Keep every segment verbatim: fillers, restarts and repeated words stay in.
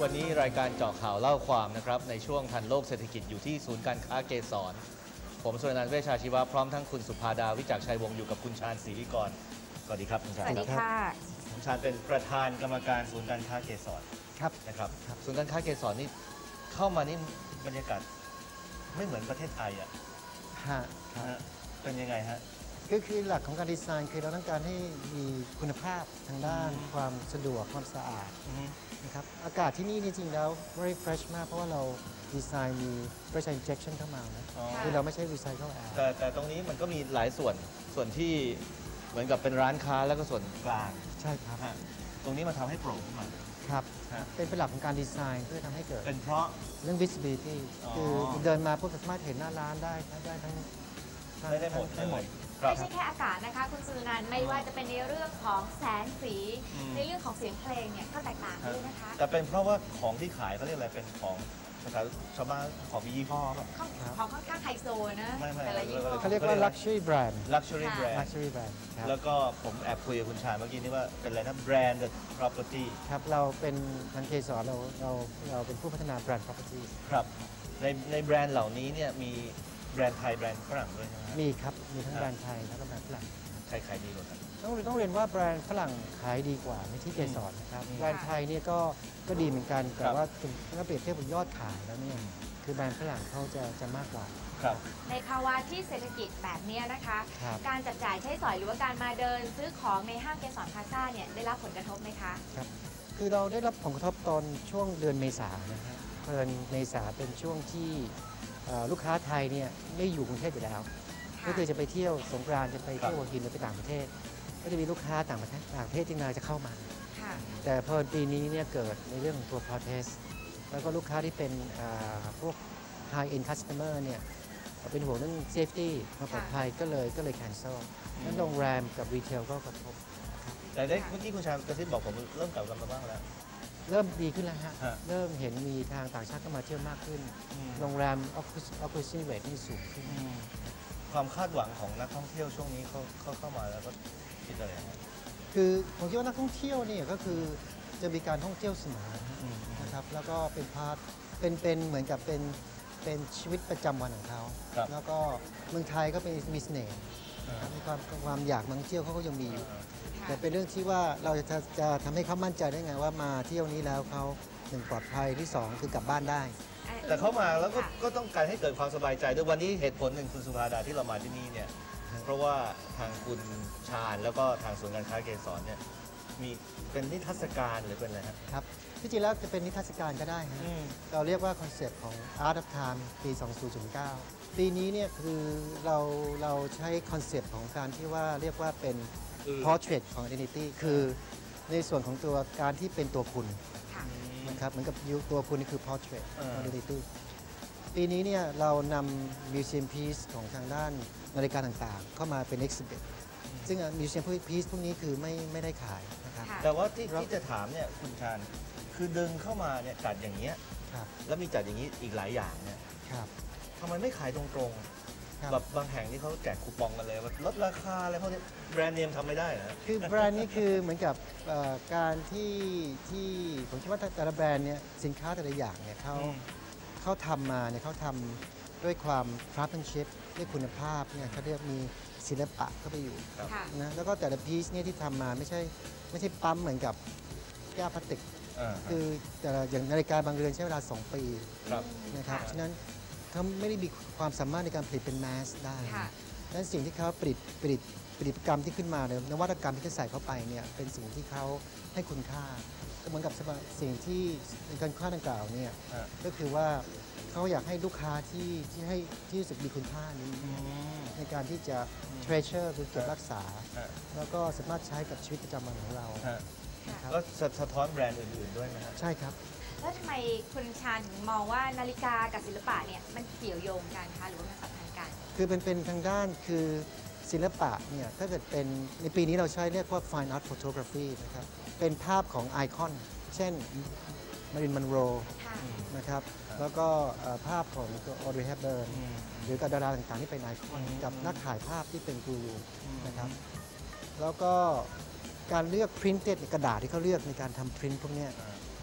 วันนี้รายการเจาะข่าวเล่าความนะครับในช่วงทันโลกเศรษฐกิจอยู่ที่ศูนย์การค้าเกษรผมสุรนันท์เวชชาชีวะพร้อมทั้งคุณสุภาดาวิจักรชัยวงศ์อยู่กับคุณชาญศรีวิกรสวัสดีครับคุณชาญสวัสดีค่ะคุณชาญเป็นประธานกรรมการศูนย์การค้าเกษรครับนะครับศูนย์การค้าเกษรนี่เข้ามานี่บรรยากาศไม่เหมือนประเทศไทยอ่ะฮะเป็นยังไงฮะก็คือหลักของการดีไซน์คือเราต้องการให้มีคุณภาพทางด้านความสะดวกความสะอาดนะครับอากาศที่นี่จริงๆแล้ว very fresh มากเพราะว่าเราดีไซน์มี pressure injection เข้ามานะคือเราไม่ใช่ recycle air แต่แต่ตรงนี้มันก็มีหลายส่วนส่วนที่เหมือนกับเป็นร้านค้าแล้วก็ส่วนกลางใช่ครับตรงนี้มาทำให้โปร่งขึ้นมาครับเป็นเป็นหลักของการดีไซน์เพื่อทำให้เกิดเป็นเพราะเรื่อง visibility คือเดินมาพวกสามารถเห็นหน้าร้านได้ได้ทั้งได้ได้หมดได้หมดไม่ใช่แค่อากาศนะคะคุณสุนันท์ไม่ว่าจะเป็นในเรื่องของแสงสีในเรื่องของเสียงเพลงเนี่ยก็แตกต่างด้วยนะคะแต่เป็นเพราะว่าของที่ขายเขาเรียกอะไรเป็นของภาษาชาวบ้านของมียี่ห้อครับของค่อนข้างไฮโซนะแต่ละยี่ห้อเขาเรียกว่า luxury brand luxury brand luxury brand แล้วก็ผมแอบคุยกับคุณชายเมื่อกี้นี่ว่าเป็นอะไรนะ branded property ครับเราเป็นทางเคสรเราเราเราเป็นผู้พัฒนา brand property ครับในในแบรนด์เหล่านี้เนี่ยมีแบรนด์ไทยแบรนด์ฝรั่งด้วยใช่ไหมมีครับมีทั้งแบรนด์ไทยแล้วก็แบรนด์ฝรั่งใครขายดีกว่ากันต้องต้องเรียนว่าแบรนด์ฝรั่งขายดีกว่าในที่เกสรนะครับแบรนด์ไทยเนี่ยก็ก็ดีเหมือนกันแต่ว่าถ้าเปรียบเทียบกับยอดขายแล้วเนี่ยคือแบรนด์ฝรั่งเขาจะจะมากกว่าครับในภาวะที่เศรษฐกิจแบบนี้นะคะการจับจ่ายใช้สอยหรือว่าการมาเดินซื้อของในห้างเกสรพลาซ่าเนี่ยได้รับผลกระทบไหมคะครับคือเราได้รับผลกระทบตอนช่วงเดือนเมษายนนะครับเดือนเมษาเป็นช่วงที่ลูกค้าไทยเนี่ยไม่อยู่กรุงเทพอยู่แล้วก็คือจะไปเที่ยวสงกรานต์จะไปเที่ยวหัวหินหรือไปต่างประเทศก็จะมีลูกค้าต่างประเทศต่างประเทศที่มาจะเข้ามาแต่พอปีนี้เนี่ยเกิดในเรื่องของตัว protest แล้วก็ลูกค้าที่เป็นพวก high end customer เนี่ยเป็นห่วงเรื่อง safety ความปลอดภัยก็เลยก็เลย cancel นั้นโรงแรมกับรีเทลก็กระทบแต่ได้เมื่อกี้คุณชายกระซิบบอกผมเริ่มกลับกันมาบ้างแล้วเริ่มดีขึ้นแล้วฮะเริ่มเห็นมีทางต่างชาติเข้ามาเที่ยวมากขึ้นโรงแรม occupancy rate นี่สูงขึ้นความคาดหวังของนักท่องเที่ยวช่วงนี้เขาเขาเข้ามาแล้วก็คิดอะไรคือผมคิดว่านักท่องเที่ยวเนี่ยก็คือจะมีการท่องเที่ยวเสมอนะครับแล้วก็เป็นพาร์ทเป็นเป็นเหมือนกับเป็นเป็นชีวิตประจำวันของเขาแล้วก็เมืองไทยก็เป็นมีเสน่ห์มีความความอยากมาท่องเที่ยวเขาก็ยังมีอยู่แต่เป็นเรื่องที่ว่าเราจะจะทำให้เขามั่นใจได้ไงว่ามาเที่ยวนี้แล้วเขาหนึ่งปลอดภัยที่สองคือกลับบ้านได้แต่เขามาแล้วก็ก็ต้องการให้เกิดความสบายใจด้วยวันนี้เหตุผลหนึ่งคุณสุภาดาที่เรามาที่นี่เนี่ยเพราะว่าทางคุณชาญแล้วก็ทางศูนย์การค้าเกษรเนี่ยมีเป็นนิทรรศการหรือเป็นอะไรครับที่จริงแล้วจะเป็นนิทรรศการก็ได้ฮะเราเรียกว่าคอนเซปต์ของ Art of Time ปี สองพันเก้า ปีนี้เนี่ยคือเราเราใช้คอนเซปต์ของการที่ว่าเรียกว่าเป็น portrait ของ identity คือในส่วนของตัวการที่เป็นตัวคุณนะครับเหมือนกับตัวคุณนี่คือ portrait identity ปีนี้เนี่ยเรานำ museum piece ของทางด้านนาฬิกาต่างๆเข้ามาเป็น exhibit ซึ่ง museum piece พวกนี้คือไม่ไม่ได้ขายนะครับแต่ว่าที่ที่จะถามเนี่ยคุณชาญคือดึงเข้ามาเนี่ยจัดอย่างเงี้ยแล้วมีจัดอย่างนี้อีกหลายอย่างเนี่ยทำไมไม่ขายตรงๆแบบบางแห่งที่เขาแจกคูปองกันเลยว่าลดราคาอะไรพวกนี้แบรนด์เนมทำไม่ได้นะคือแบรนด์นี้คือเหมือนกับการที่ที่ผมคิดว่าแต่ละแบรนด์เนี่ยสินค้าแต่ละอย่างเนี่ยเขาเขาทำมาเนี่ยเขาทำด้วยความ craftsmanship ด้วยคุณภาพเนี่ยเขาเรียกมีศิลปะเข้าไปอยู่นะแล้วก็แต่ละพีซเนี่ยที่ทำมาไม่ใช่ไม่ใช่ปั๊มเหมือนกับแก้วพลาสติกคือแต่อย่างนาฬิกาบางเรือนใช้เวลาสองปีนะครับฉะนั้นเขาไม่ได้มีความสามารถในการผลิตเป็นแมสได้ดังนั้นสิ่งที่เขาผลิตผลิตผลิตกรรมที่ขึ้นมาเนี่ยนวัตกรรมที่เขาใส่เข้าไปเนี่ยเป็นสิ่งที่เขาให้คุณค่าก็เหมือนกับสิ่งที่ในการค่าดังกล่าวเนี่ยก็คือว่าเขาอยากให้ลูกค้าที่ที่ให้ที่รู้สึกมีคุณค่านี้ในการที่จะ treasure หรือเก็บรักษาแล้วก็สามารถใช้กับชีวิตประจำวันของเราก็สะท้อนแบรนด์อื่นๆด้วยไหมครับใช่ครับแล้วทำไมคุณชาญถึงมองว่านาฬิกากับศิลปะเนี่ยมันเกี่ยวโยงกันคะหรือว่ามันสัมพันธ์กันคือเป็นเป็นทางด้านคือศิลปะเนี่ยถ้าเกิดเป็นในปีนี้เราใช้เรียกว่า fine art photography นะครับเป็นภาพของไอคอนเช่นมารินมันโรนะครับแล้วก็ภาพของออดรีย์ เฮปเบิร์นหรือกับดาราต่างๆที่เป็นไอคอนกับนักถ่ายภาพที่เป็นกูรูนะครับแล้วก็การเลือก printed กระดาษที่เขาเลือกในการทำ print พวกนี้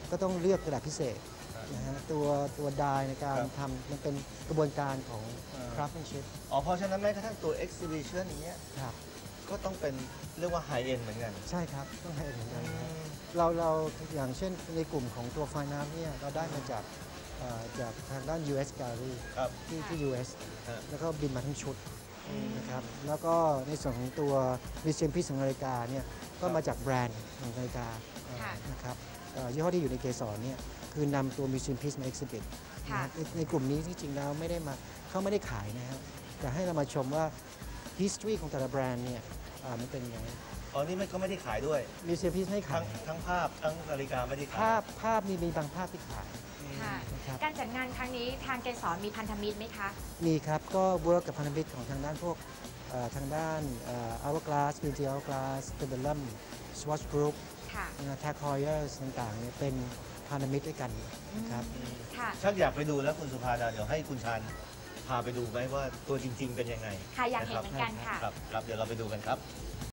ก็ต้องเลือกกระดาษพิเศษครับนะฮะตัวตัวดายในการครับทำมันเป็นกระบวนการของอ่า craftsmanship อ๋อเพราะฉะนั้นแม้กระทั่งตัว exhibition อย่างเงี้ยครับก็ต้องเป็นเรียกว่า high end เหมือนกันใช่ครับต้องให้เหมือนกันนะครับเราเราอย่างเช่นในกลุ่มของตัว Fine Art เนี่ยเราได้มาจากเอ่อจากทางด้าน ยู เอส Gallery ครับที่ที่ ยู เอสฮะแล้วก็บินมาทั้งชุดอืมนะครับแล้วก็ในส่วนของตัว Museum Piece ของนาฬิกาเนี่ยก็มาจากแบรนด์ของนาฬิกาค่ะนะครับเอ่อยี่ห้อที่อยู่ในเกสรเนี่ยคือนำตัว Museum Piece มา exhibit ค่ะนะครับในในกลุ่มนี้ที่จริงแล้วไม่ได้มาเขาไม่ได้ขายนะครับแต่ให้เรามาชมว่า history ของแต่ละแบรนด์เนี่ยอ่ามันเป็นยังไงอ๋อนี่มันก็ไม่ได้ขายด้วย Museum Piece ไม่ขาทั้งยทั้งภาพทั้งนาฬิกาไม่ได้ขายภาพภาพมีมีบางภาพที่ขายอืมค่ะนะครับการจัดงานครั้งนี้ทางเกสรมีพันธมิตรไหมคะมีครับก็เวิร์กกับพันธมิตรของทางด้านพวกเอ่อทางด้านเอ่อ Hourglass บี ที Hourglass Pendulum Swatch Group ค่ะทาคอยเออร์ต่างๆเนี่ยเป็นพันธมิตรด้วยกันนะครับอืมค่ะชักอยากไปดูแล้วคุณสุภาดาเดี๋ยวให้คุณชาญพาไปดูไหมว่าตัวจริง ๆ เป็นยังไงค่ะอยากเห็นเหมือนกันค่ะครับครับเดี๋ยวเราไปดูกันครับ